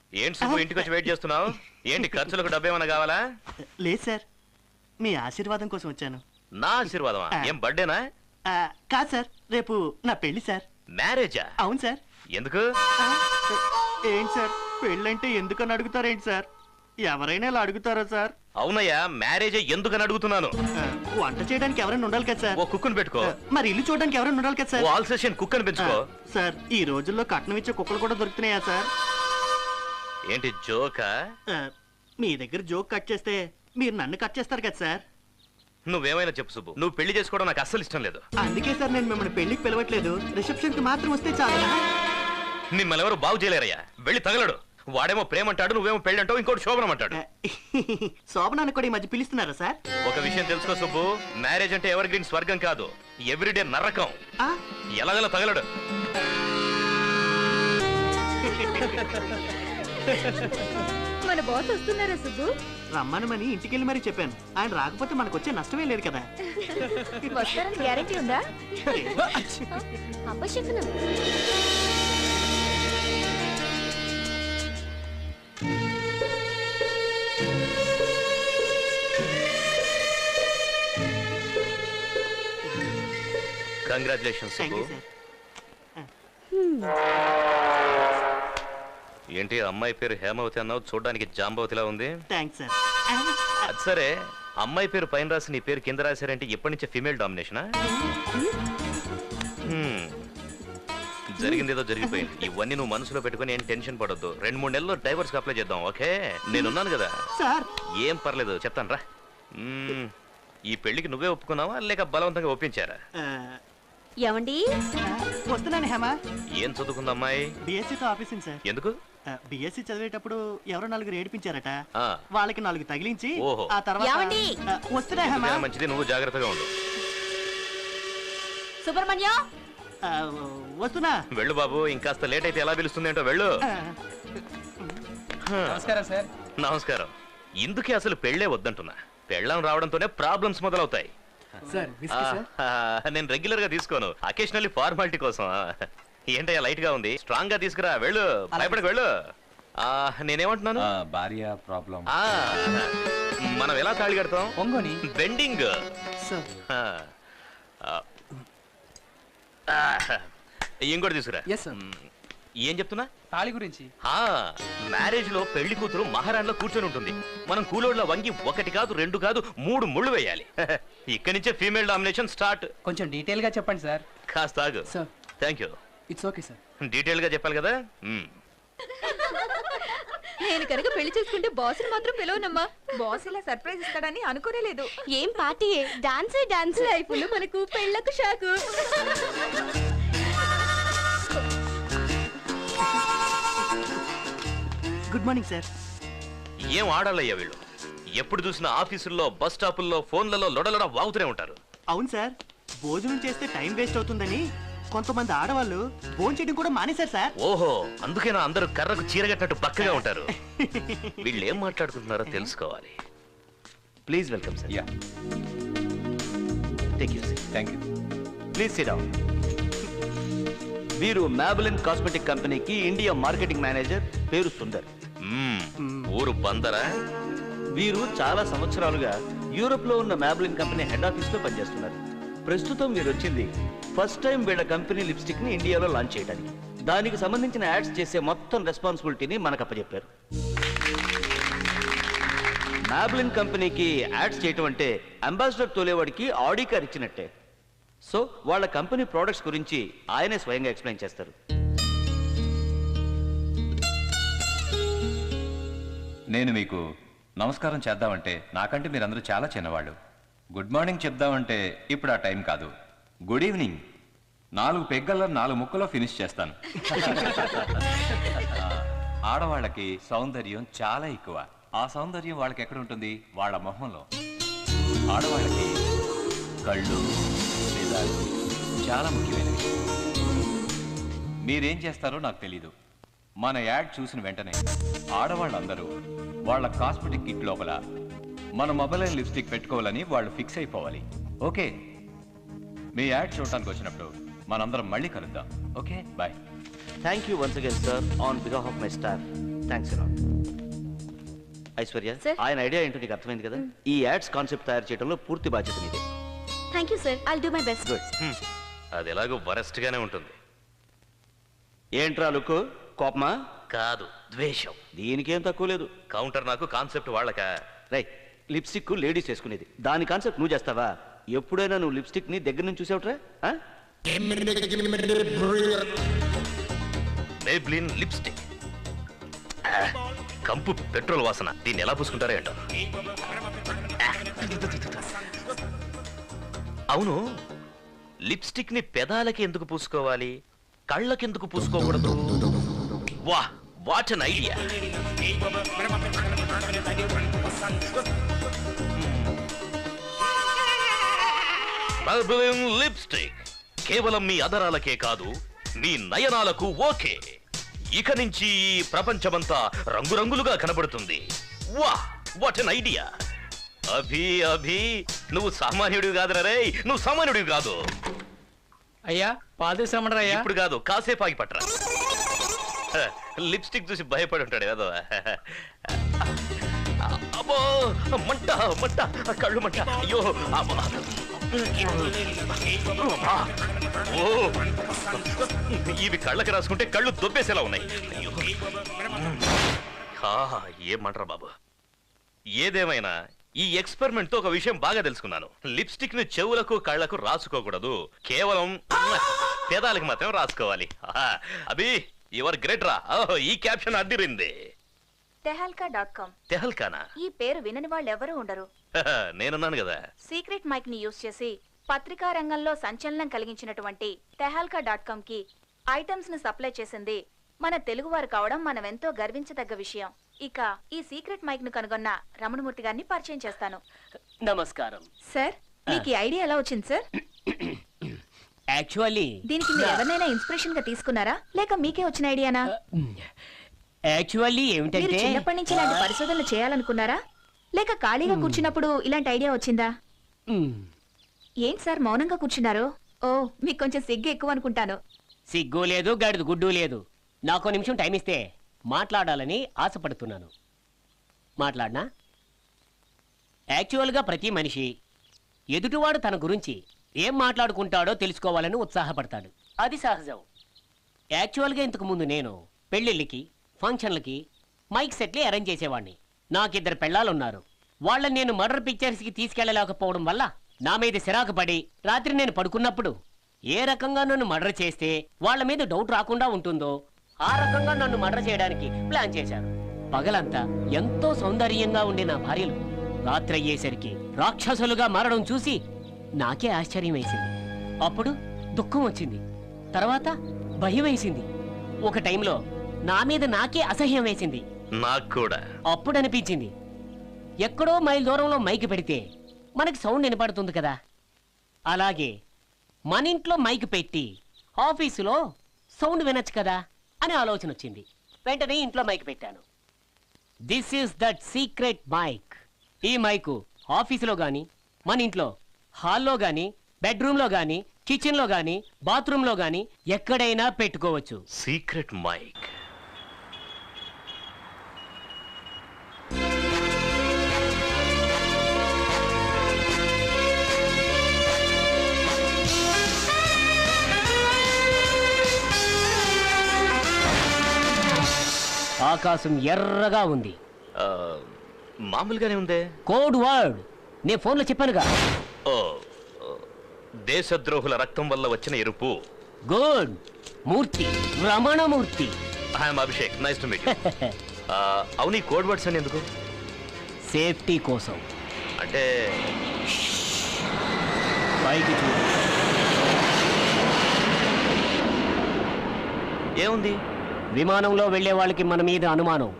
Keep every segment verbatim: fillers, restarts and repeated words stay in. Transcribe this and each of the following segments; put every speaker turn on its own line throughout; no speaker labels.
ఏంటి సుబ్బు ఇంటికి వచ్చి వెయిట్ చేస్తున్నావు? ఏంటి ఖర్చులకు డబ్బు ఏమైనా కావాలా?
లేదు సార్, మీ ఆశీర్వాదం కోసం వచ్చాను.
నా ఆశీర్వాదమా? ఏం బర్త్డేనా?
కాదు సార్, రేపు నా పెళ్లి సార్.
మ్యారేజా?
అవును సార్.
ఎందుకు?
ఏంటి సార్, పెళ్ళంటే ఎందుకని అడుగుతారేంటి సార్? ఎవరైనా ఇలా అడుగుతారా సార్?
అవునయ్యా, మ్యారేజ్ ఎందుకని అడుగుతున్నాను.
వంట చేయడానికి ఎవరైనా ఉండాలి కదా సార్.
ఓ కుక్కను పెట్టుకో.
మరి ఇల్లు చూడడానికి ఎవరైనా ఉండాలి కదా సార్.
ఆల్ సెషన్ కుక్కను పెంచుకో.
సార్, ఈ రోజుల్లో కట్నం ఇచ్చే కుక్కలు కూడా దొరుకుతున్నాయా సార్?
ఏంటి జోకా?
మీ దగ్గర జోక్ కట్ చేస్తే మీరు నన్ను కట్ చేస్తారు కదా సార్.
నువ్వేమైనా చెప్పు సుబ్బు, నువ్వు పెళ్లి చేసుకోవడం నాకు అస్సలు ఇష్టం లేదు.
అందుకే సార్ నేను మిమ్మల్ని పెళ్లికి పిలవట్లేదు, రిసెప్షన్ కి మాత్రం వస్తే చాలు.
మిమ్మల్ని ఎవరు బాగు చేయలేరయ్యా. వెళ్ళి తగలడు. వాడేమో ప్రేమ అంటాడు, నువ్వేమో పెళ్లి అంటావు, ఇంకోటి శోభనం అంటాడు.
శోభనాన్ని కూడా ఈ మధ్య పిలుస్తున్నారా సార్?
ఒక విషయం తెలుసుకో సుబ్బు, మ్యారేజ్ అంటే ఎవర్ గ్రీన్ స్వర్గం కాదు, ఎవ్రీడే నరకం. ఎలాగలా తగలడు.
మన బాస్ వస్తున్నారా సుబ్బు?
రమ్మనమని ఇంటికెళ్ళి మరీ చెప్పాను. ఆయన రాకపోతే మనకు వచ్చే నష్టమే లేదు కదా.
వస్తారని గ్యారెంటీ ఉందా? అపశకునం.
కంగ్రాచులేషన్స్ సుబ్బు. ఏంటి అమ్మాయి పేరు హేమవతి అన్నావు, చూడడానికి జాంబవతిలా ఉంది. అది సరే, అమ్మాయి పేరు పైన రాసి నీ పేరు కింద రాశారంటే ఎప్పటి నుంచే ఫీమేల్ డామినేషనా? జరిగింది ఏదో జరిగిపోయింది. ఇవన్నీ నువ్వు మనసులో పెట్టుకుని ఏం టెన్షన్ పడొద్దు. రెండు మూడు నెలల్లో డైవర్స్ అప్లై చేద్దాం, ఓకే? నేనున్నాను కదా. ఏం పర్లేదు, చెప్తాను రా. ఈ పెళ్లికి నువ్వే ఒప్పుకున్నావా లేక బలవంతంగా ఒప్పించారా?
ఏమండి
వస్తున్నాను హేమ.
ఏం చదువుకుందా అమ్మాయి?
బిఎస్సీతో ఆఫీసింగ్ సార్.
ఎందుకు?
బిఎస్సీ చదివేటప్పుడు ఎవరో నలుగురు ఏడిపించారట, వాళ్ళకి నాలుగు తగిలించి ఆ తర్వాత వస్తున్నా హేమ.
మంచిది, నువ్వు జాగ్రత్తగా ఉండు.
సుబ్రహ్మణ్యం
వస్తున్నా.
వెళ్ళు బాబు, ఇంకాస్త లేట్ అయితే ఎలా పిలుస్తుంది ఏంటో. వెళ్ళు.
నమస్కారం సార్.
నమస్కారం. ఇందుకే అసలు పెళ్లే వద్దంటున్నా. పెళ్ళం రావడంతోనే ప్రాబ్లమ్స్ మొదలవుతాయి. నేను రెగ్యులర్ గా తీసుకోను, అకేషనల్లీ ఫార్మాలిటీ కోసం. ఏంటయ్యా లైట్ గా ఉంది, స్ట్రాంగ్ గా తీసుకురా. వెళ్ళు, భయపడకు వెళ్ళు. నేనేమంటున్నాను,
భార్య ప్రాబ్లం.
మనం ఎలా తాళి కడతాం?
పొంగోని
బెండింగ్. ఇంకోటి తీసుకురా. ఏం చెప్తున్నా?
తాళి గురించి.
మ్యారేజ్ లో పెళ్లి కూతురు మహారాణిలో కూర్చొని ఉంటుంది. మనం కూలోడ్ల వంగి ఒకటి కాదు రెండు కాదు మూడు ముళ్ళు వేయాలి. ఇక్కడి నుంచే ఫీమేల్ డామినేషన్ స్టార్ట్.
కొంచెం డీటెయిల్ గా చెప్పండి సార్.
కాస్త ఆగు. Thank you.
It's okay sir.
Detail గా చెప్పాలి కదా.
నేను కనుక పెళ్లి చేసుకుంటే బాస్ మాత్రం పిలవనమ్మా. బాస్ ఇలా సర్ప్రైజ్ ఇస్తాడని అనుకోనే లేదు. ఏం పార్టీ, డాన్స్ డాన్స్. లైఫ్ లో మనకు పెళ్ళకు షాకు.
Good morning sir.
ఏం ఆడాలయ్యా వీళ్ళు? ఎప్పుడు చూసినా ఆఫీసుల్లో, బస్ స్టాపుల్లో, ఫోన్లలో లొడలొడ వాగుతూనే ఉంటారు.
అవును సార్, భోజనం చేస్తే టైం వేస్ట్ అవుతుందని కొంతమంది ఆడవాళ్ళు భోజనం చేయడం కూడా మానేశారు సార్.
ఓహో, అందుకేనా అందరూ కర్రకు చీరగట్టినట్టు పక్కగా ఉంటారు. వీళ్ళు ఏం మాట్లాడుకుంటున్నారో తెలుసుకోవాలి. Please welcome sir.
Yeah,
take you.
Thank you.
Please sit down. వీరు మ్యాబెలిన్ కాస్మెటిక్ కంపెనీకి ఇండియా మార్కెటింగ్ మేనేజర్, పేరు సుందర్.
ఊరు బందరా?
వీరు చాలా సంవత్సరాలుగా యూరోప్ లో ఉన్న మ్యాబెలిన్ కంపెనీ హెడ్ ఆఫీస్ లో పనిచేస్తున్నారు. ప్రస్తుతం వీరు వచ్చింది ఫస్ట్ టైం వీళ్ళ కంపెనీ లిప్స్టిక్ ని ఇండియాలో లాంచ్ చేయడానికి. దానికి సంబంధించిన యాడ్స్ చేసే మొత్తం రెస్పాన్సిబిలిటీని మనకు అప్పచెప్పారు. మ్యాబెలిన్ కంపెనీకి యాడ్స్ చేయటం అంటే అంబాసిడర్ తోలేవాడికి ఆడి కార్ ఇచ్చినట్టే. సో వాళ్ళ కంపెనీ ప్రోడక్ట్స్ గురించి ఆయనే స్వయంగా ఎక్స్ప్లెయిన్ చేస్తారు.
నేను మీకు నమస్కారం చేద్దామంటే నాకంటే మీరందరూ చాలా చిన్నవాళ్ళు. గుడ్ మార్నింగ్ చెప్దామంటే ఇప్పుడు ఆ టైం కాదు. Good evening. నాలుగు పెగ్గల్లో నాలుగు ముక్కలో ఫినిష్ చేస్తాను. ఆడవాళ్ళకి సౌందర్యం చాలా ఎక్కువ. ఆ సౌందర్యం వాళ్ళకి ఎక్కడ ఉంటుంది? వాళ్ళ మొహంలో. ఆడవాళ్ళకి కళ్ళు, పెదాలు చాలా ముఖ్యమైనవి. మీరేం చేస్తారో నాకు తెలీదు. మన యాడ్ చూసిన వెంటనే ఆడవాళ్ళందరూ వాళ్ళ కాస్మెటిక్ కిట్ లోపల మన మొబైల్ లిప్స్టిక్ పెట్టుకోవాలని వాళ్ళు ఫిక్స్ అయిపోవాలి. ఓకే, మీ యాడ్ చూడటానికి వచ్చినప్పుడు మనందరం మళ్ళీ కలుద్దాం. Okay, bye.
Thank you once again sir on behalf of my staff. Thanks అలా ఐశ్వర్య, ఆయన ఐడియా ఏంటో నీకు అర్థమైంది కదా. ఈ యాడ్స్ కాన్సెప్ట్ తయారు చేయడంలో పూర్తి బాధ్యత నీదే.
Thank you sir, I'll do my best.
Good.
అది ఎలాగో వరస్ట్ గానే ఉంటుంది.
ఏంట్రా లుక్కు, కోపమా?
కాదు, ద్వేషం.
దీనికేం తక్కువ లేదు.
కౌంటర్ నాకు, కాన్సెప్ట్ వాళ్ళక.
రై, లిప్స్టిక్ లేడీస్ వేసుకునేది, దాని కాన్సెప్ట్ నువ్వు చేస్తావా? ఎప్పుడైనా నువ్వు లిప్స్టిక్ ని దగ్గర నుంచి చూసావుట్రా?
మేబ్లిన్ లిప్స్టిక్, కంపు పెట్రోల్ వాసన. దీన్ని ఎలా పూసుకుంటారో ఏంటో. అవును, లిప్స్టిక్ ని పెదాలకి ఎందుకు పూసుకోవాలి, కళ్ళకి ఎందుకు పూసుకోకూడదు? వా, what an idea. Maybelline lipstick కేవలం మీ అదరాలకే కాదు, మీ నయనాలకు ఓకే. ఇక నుంచి ఈ ప్రపంచమంతా రంగురంగులుగా కనబడుతుంది. వా, వాట్ అన్ ఐడియా. అభి అభి నువ్వు సామాన్యుడివి కాదురా రే, నువ్వు సామాన్యుడివి కాదు.
అయ్యా పాదేశామరా?
ఇప్పుడు కాదు, కాసేపు ఆగి పట్టరా. లిప్స్టిక్ చూసి భయపడి ఉంటాడు ఏదో. అబ్బో, మంట మంట, కళ్ళు మంట. అయ్యో, ఓ, ఇవి కళ్ళకి రాసుకుంటే కళ్ళు దొబ్బేసేలా ఉన్నాయి. అయ్యో, ఏమంటారా బాబు. ఏదేమైనా ఈ ఎక్స్పెరిమెంట్ తో ఒక విషయం బాగా తెలుసుకున్నాను. లిప్స్టిక్ ని చెవులకు కళ్ళకు రాసుకోకూడదు, కేవలం పేదాలకు మాత్రం రాసుకోవాలి. అభి, యువర్ గ్రేట్ రా. ఈ క్యాప్షన్ అడ్డిరింది.
Tehelka dot com.
తెహల్కానా?
ఈ పేరు వినని వాళ్ళు ఎవరు ఉండరు.
నేనున్నాను కదా.
సీక్రెట్ మైక్ ని యూజ్ చేసి పత్రికా రంగంలో సంచలనం కలిగించినటువంటి తెహల్కా డాట్ కామ్ కి ఐటమ్స్ ను సప్లై చేసింది మన తెలుగు వారు కావడం మనం ఎంతో గర్వించదగ్గ విషయం. ఇక ఈ సీక్రెట్ మైక్ ను కనుగొన్న రమణమూర్తి గారిని పరిచయం చేస్తాను.
నమస్కారం
సార్, మీకు ఈ ఐడియా ఎలా వచ్చింది సార్?
యాక్చువల్లీ
దీనికి మీరు ఎవరినైనా ఇన్స్పిరేషన్ గా తీసుకున్నారా, లేక మీకే వచ్చిన ఐడియానా?
యాక్చువల్లీ
మీరు
ఏమిటంటే
చిన్నప్పటి నుంచి ఇలాంటి పరిశోధనలు చేయాలనుకున్నారా, లేక ఖాళీగా కూర్చున్నప్పుడు ఇలాంటి ఐడియా వచ్చిందా? ఏంటి సార్ మౌనంగా కూర్చున్నారు? ఓ, మీకు కొంచెం సిగ్గు ఎక్కువ అనుకుంటాను.
సిగ్గు లేదు, గడిది గుడ్డు లేదు. నాకు నిమిషం టైం ఇస్తే మాట్లాడాలని ఆశపడుతున్నాను. మాట్లాడనా? యాక్చువల్గా ప్రతి మనిషి ఎదుటివాడు తన గురించి ఏం మాట్లాడుకుంటాడో తెలుసుకోవాలని ఉత్సాహపడతాడు, అది సహజం. యాక్చువల్గా ఇంతకు ముందు నేను పెళ్ళిళ్ళకి, ఫంక్షన్లకి మైక్ సెట్లే అరేంజ్ చేసేవాడిని. నాకిద్దరు పెళ్ళాలున్నారు. వాళ్ళని నేను మర్డర్ పిక్చర్స్కి తీసుకెళ్లలేకపోవడం వల్ల నా మీద సిరాకు పడి రాత్రి నేను పడుకున్నప్పుడు ఏ రకంగా నన్ను మర్డర్ చేస్తే వాళ్ళ మీద డౌట్ రాకుండా ఉంటుందో ఆ రకంగా నన్ను మర్డర్ చేయడానికి ప్లాన్ చేశారు. పగలంతా ఎంతో సౌందర్యంగా ఉండే నా భార్యలు రాత్రి అయ్యేసరికి రాక్షసులుగా మారడం చూసి నాకే ఆశ్చర్యం వేసింది. అప్పుడు దుఃఖం వచ్చింది, తర్వాత భయం వేసింది, ఒక టైంలో నా మీద నాకే అసహ్యం వేసింది.
నాకు కూడా
అప్పుడు అనిపించింది, ఎక్కడో మైల్ దూరంలో మైక్ పెడితే మనకి సౌండ్ వినపడుతుంది కదా, అలాగే మన ఇంట్లో మైక్ పెట్టి ఆఫీసులో సౌండ్ వినొచ్చు కదా అని ఆలోచన వచ్చింది. వెంటనే ఇంట్లో మైక్ పెట్టాను. This is that secret mic. ఈ మైకు ఆఫీసులో గాని, మన ఇంట్లో హాల్లో గాని, బెడ్రూమ్లో గాని, కిచెన్లో గాని, బాత్రూంలో గాని ఎక్కడైనా పెట్టుకోవచ్చు.
Secret mic.
ఆకాశం ఎర్రగా ఉంది.
మామూలుగానే ఉందే.
కోడ్ వర్డ్ నేను ఫోన్లో చెప్పానుగా.
ఓ, దేశద్రోహుల రక్తం వల్ల వచ్చిన ఎరుపు.
Good. Murthy, Ramanamurthy.
I'm Abhishek, nice to meet you. అవును, ఈ కోడ్ వర్డ్స్ అని ఎందుకు?
సేఫ్టీ కోసం.
అంటే
పైకి చూడు.
ఏముంది?
విమానంలో వెళ్లే వాళ్ళకి మన మీద అనుమానం.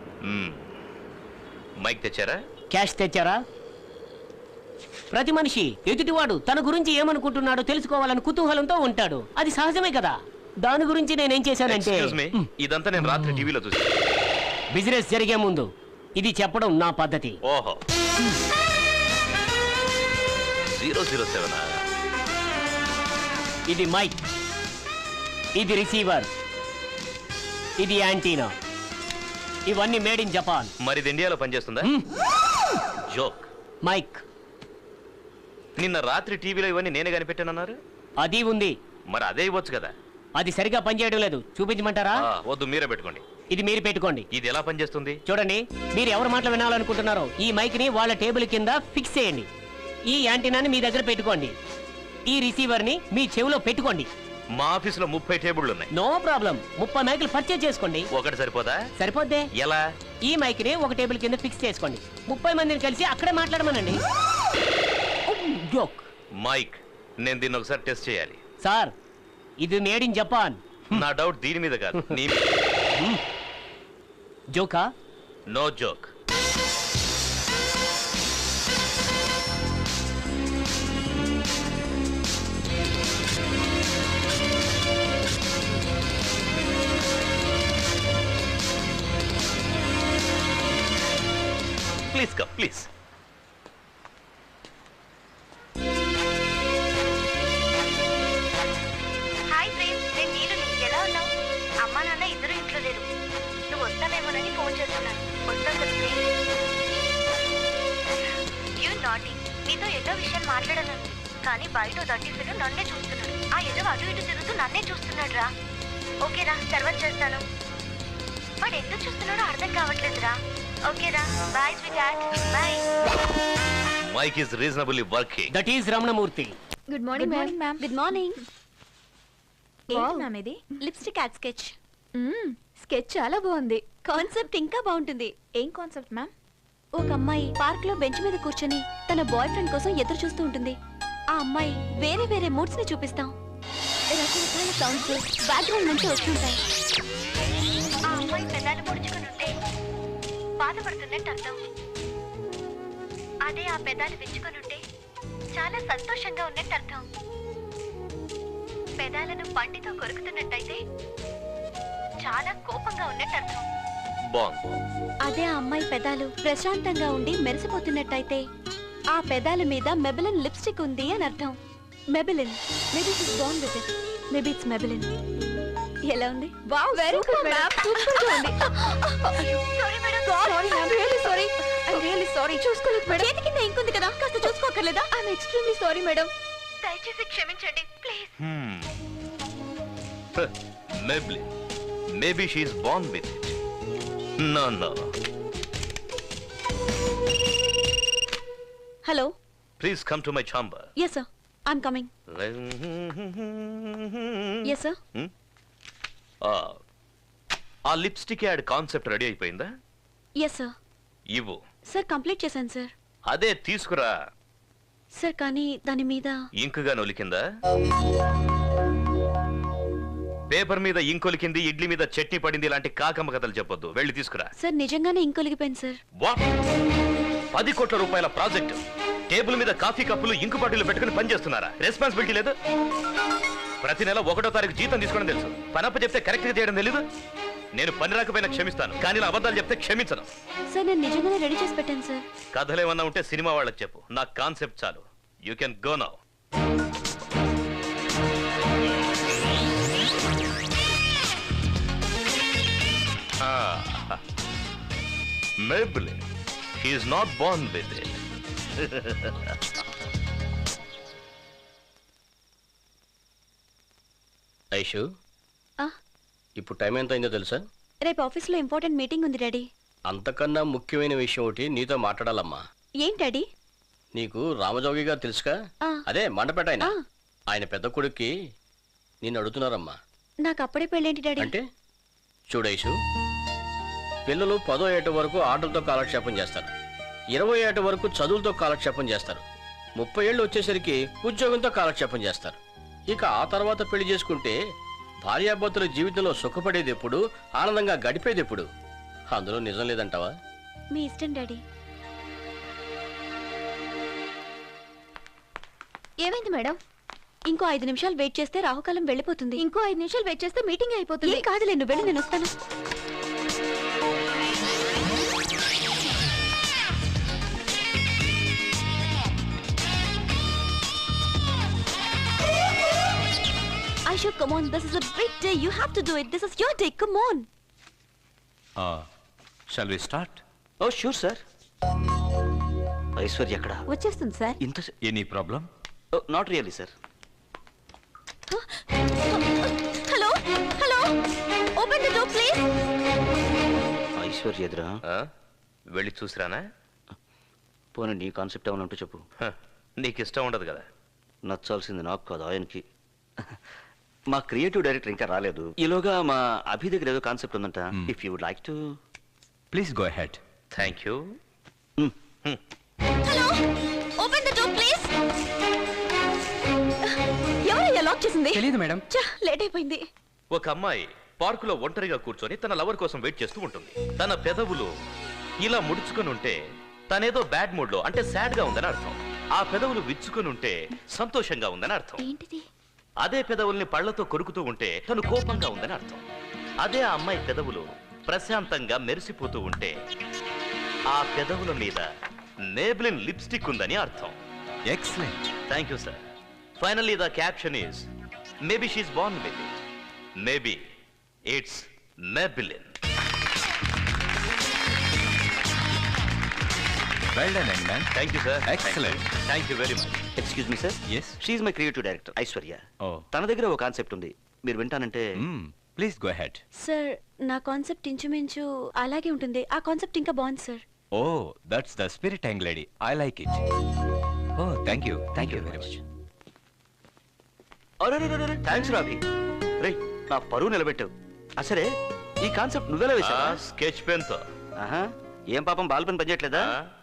మైక్ తెచ్చారా?
క్యాష్ తెచ్చారా? ప్రతి మనిషి ఎదుటివాడు తన గురించి ఏమనుకుంటున్నాడో తెలుసుకోవాలని కుతూహలంతో ఉంటాడు, అది సహజమే కదా. దాని గురించి నేనేం చేశానంటే,
ఇదంతా నేను రాత్రి టీవీలో చూసి.
బిజినెస్ జరిగే ముందు ఇది చెప్పడం నా పద్ధతి.
ఓహో, జీరో జీరో సెవెన్.
ఇది మైక్, ఇది రిసీవర్, ఇది యాంటీనా. ఇవన్నీ మేడ్ ఇన్ జపాన్.
మరి ఇది ఇండియాలో పనిచేస్తుందా? జోక్.
మైక్.
నిన్న రాత్రి టీవీలో ఇవన్నీ నేనే కనిపెట్టానన్నారు.
అది ఉంది.
మరి అదే ఇవ్వచ్చు కదా.
అది సరిగా పనిచేయడం లేదు, చూపించమంటారా?
వద్దు, మీరే పెట్టుకోండి.
ఇది మీరు పెట్టుకోండి.
ఇది ఎలా పనిచేస్తుంది
చూడండి, మీరు ఎవరి మాటలు వినాలనుకుంటున్నారో ఈ మైక్ ని వాళ్ళ టేబుల్ కింద ఫిక్స్ చేయండి. ఈ యాంటీనాని మీ దగ్గర పెట్టుకోండి. ఈ రిసీవర్ ని మీ చెవిలో పెట్టుకోండి.
మా ఆఫీసులో ముప్పై టేబుళ్ళు ఉన్నాయి.
నో ప్రాబ్లం, ముప్పై మైకులు పర్చేజ్ చేసుకోండి.
ఒకటి సరిపోదా?
సరిపోద్దే.
ఎలా?
ఈ మైక్ ని ఒక టేబుల్ కింద ఫిక్స్ చేసుకోండి. ముప్పై మందిని కలిసి అక్కడే మాట్లాడమనండి. జోక్.
మైక్, నేను దీన్ని ఒకసారి టెస్ట్ చేయాలి.
సార్, ఇది మేడ్ ఇన్ జపాన్.
నా డౌట్ దీని మీద కాదు, నీ
జోకా?
No joke. Please come, please.
Hi Prem, నేను నీలుని. ఎలా ఉన్నావు? అమ్మా నాన్న ఇద్దరు ఇంట్లో లేరు. నువ్వు వస్తావేమోనని ఫోన్ చేస్తున్నాను. వస్తావు కదా ప్రేమ్? You naughty. నీతో ఎన్నో విషయాలు మాట్లాడాలని, కానీ బయట దట్టిఫిలు నన్నే చూస్తున్నాడు. ఆ ఎదో అటు ఇటు తిరుగుతూ నన్నే చూస్తున్నాడు రా. ఓకేరా, తర్వాత చేస్తాను. వాడు ఎందుకు చూస్తున్నాడో అర్థం కావట్లేదురా. ఓకేరా, bye sweet. Bye.
Mic is reasonably working.
That is Ramanamurthy.
Good morning ma'am.
Good morning. ఏంటి మ్యామ్ ఇది?
Lipstick ad sketch.
స్కెచ్ చాలా బాగుంది. కాన్సెప్ట్ ఇంకా బాగుంటుంది. ఏం కాన్సెప్ట్ మ్యామ్?
ఒక అమ్మాయి పార్క్ లో బెంచ్ మీద కూర్చొని తన బాయ్ ఫ్రెండ్ కోసం ఎదురు చూస్తూ ఉంటుంది. ఆ అమ్మాయి వేరే వేరే మూడ్స్ ని చూపిస్తాం. రకరకాల సౌండ్స్ బ్యాక్గ్రౌండ్ నుంచి వస్తుంటాయి. ఆ అమ్మాయి పెదాలు పొడుచుకుని ఉంటే బాధపడుతున్నట్టు అర్థం. అదే ఆ పెదాలు విచ్చుకొని ఉంటే చాలా సంతోషంగా ఉన్నట్టు అర్థం. పెదాలను పంటితో కొరుకుతున్నట్టయితే చాలా కోపంగా ఉన్నట్టు అర్థం. అదే ఆ అమ్మాయి పెదాలు ప్రశాంతంగా ఉండి మెరిసిపోతున్నట్టయితే ఆ పెదాల మీద మెబిలిన్ లిప్స్టిక్ ఉంది అని అర్థం. Maybelline. Maybe it's born with it. Maybe it's Maybelline. ఎలా ఉంది?
Wow, very good ma'am. Super గా ఉంది.
Sorry madam.
Sorry ma'am, really sorry. I am really sorry.
చూసుకోలేదు మేడం. చేతి కింద ఇంకుంది కదా, కాస్త చూసుకోకర్లేదా?
I am extremely sorry madam.
దయచేసి క్షమించండి please.
Maybelline. Maybe she is born with it. No, no.
Hello.
Please come to my chamber.
Yes sir, I'm coming. Yes sir.
Hmm? Ah, ఆ లిప్స్టిక్ యాడ్ కాన్సెప్ట్ రెడీ అయిపోయిందా?
Yes sir.
ఇవ్వు.
Sir complete చేశాను sir.
అదే తీసుకురా.
Sir కానీ దాని మీద
ఇంకుగా నొలికిందా? Paper మీద ఇంకొలికింది, ఇడ్లీ మీద చట్నీ పడింది ఇలాంటి కాకమ్మ కథలు చెప్పొద్దు. వెళ్ళి తీసుకురా.
సార్ నిజంగానే ఇంకొలిగిపోయింది సార్.
వాట్? పది కోట్ల రూపాయల ప్రాజెక్ట్ టేబుల్ మీద కాఫీ కప్పులు ఇంకు బాటిల్ పెట్టుకుని పనిచేస్తున్నారా? రెస్పాన్సిబిలిటీ లేదు? ప్రతి నెల ఒకటో తారీఖు జీతం తీసుకోవడం తెలుసు. పనప్ప చెప్తే కరెక్ట్ గా చేయడం తెలీదు? నేను పని రాకపోయినా క్షమిస్తాను, కానీ ఇలా అబద్ధాలు చెప్తే క్షమించను.
సార్ నేను నిజంగానే రెడీ చేసి పెట్టాను సార్.
కథలు ఏమన్నా ఉంటే సినిమా వాళ్ళకి చెప్పు, నా కాన్సెప్ట్ చాలు. You can go now. Maybelline. He is not born with it.
Aishu,
ఆ,
ఇప్పుడు టైం ఎంత అయిందో తెలుసా?
రేపు ఆఫీస్లో ఇంపార్టెంట్ మీటింగ్ ఉంది డాడీ.
అంతకన్నా ముఖ్యమైన విషయం ఒకటి నీతో మాట్లాడాలమ్మా.
ఏంటి డాడీ?
నీకు రామజోగి గారు తెలుసుగా?
ఆ.
అదే మండపేట ఆయన.
ఆ.
ఆయన పెద్ద కొడుక్కి నిన్ను అడుగుతున్నారమ్మా.
నాకు అప్పుడే పెళ్ళేంటి డాడీ?
అంటే చూడైషు, పిల్లలు పదో ఏట వరకు ఆటలతో కాలక్షేపం చేస్తారు, ఇరవై ఏట వరకు చదువులతో కాలక్షేపం చేస్తారు, ముప్పై ఏళ్ళు వచ్చేసరికి ఉద్యోగంతో కాలక్షేపం చేస్తారు. ఇక ఆ తర్వాత పెళ్లి చేసుకుంటే భార్యాభర్తల జీవితంలో సుఖపడేది ఎప్పుడు, ఆనందంగా గడిపేది ఎప్పుడు? అందులో నిజం లేదంటావా?
మీ ఇష్టం డాడీ. ఏమైంది మేడం? ఇంకో ఐదు నిమిషాలు వెయిట్ చేస్తే రాహుకాలం వెళ్ళిపోతుంది. ఇంకో ఐదు నిమిషాలు వెయిట్ చేస్తే మీటింగ్ అయిపోతుంది. ఏం కాదులే, నువ్వు వెళ్ళి, నేను వస్తాను. Aisha, come on, this is a big day. You have to do it. This is your day. Come on.
Shall we start?
Oh sure sir. Aishwarya ఎక్కడ?
వచ్చేస్తుంది సార్.
ఇంత
any problem?
Not really sir.
Hello hello, open the door please.
Aishwarya ఎదురా?
వెళ్ళి చూసిరానా?
పోనీ నీ concept ఏమైనా ఉంటూ చెప్పు.
నీకు ఇష్టం ఉండదు కదా.
నచ్చాల్సింది నాకు కాదు, ఆయనకి. మా క్రియేటివ్ డైరెక్టర్ ఇంకా రాలేదు. ఈలోగా మా అభి దగ్గర ఏదో కాన్సెప్ట్ ఉందంట. If you would like to
please go ahead.
Thank you.
Hello, open the door please. ఎవరయ్యా లాక్ చేసింది?
తెలియదు మేడం.
లేట్ అయిపోయింది.
ఒక అమ్మాయి పార్కులో ఒంటరిగా కూర్చొని తన లవర్ కోసం వెయిట్ చేస్తూ ఉంటుంది. తన పెదవులు ఇలా ముడుచుకొని ఉంటే తనేదో బ్యాడ్ మూడ్ లో అంటే సాడ్ గా ఉందని అర్థం. ఆ పెదవులు విచ్చుకొని ఉంటే సంతోషంగా ఉందని అర్థం.
ఏంటిది?
అదే పెదవుల్ని పళ్లతో కొరుకుతూ ఉంటే తను కోపంగా ఉందని అర్థం. అదే ఆ అమ్మాయి పెదవులు ప్రశాంతంగా మెరిసిపోతూ ఉంటే ఆ పెదవుల మీద నేబ్లిన్ లిప్స్టిక్ ఉందని అర్థం.
Excellent.
Thank you sir. Finally the caption is maybe she is born with it, maybe it's Maybelline.
Well done, young man.
Thank you, sir.
Excellent.
Thank you, Thank you very much.
Excuse me sir.
Yes.
She is my creative director Aishwarya.
Oh.
తన దగ్గర ఒక concept ఉంది, మీరు వింటానంటే.
Mm. Please go ahead.
Sir, నా concept ఇంచుమించు అలాగే ఉంటుంది. ఆ కాన్సెప్ట్ ఇంకా బాగుంది sir.
Oh, that's the spirit, young lady. I like it. Oh, thank you. Thank you very much.
అరే థ్యాంక్స్ రాబి. రే, నా పరువు నిలబెట్టావు. అసరే ఈ కాన్సెప్ట్ నువ్వెలా వేసావా?
స్కెచ్ పెన్ తో.
ఆహా, ఏం పాపం బాల్ పెన్ పనిచేయట్లేదా?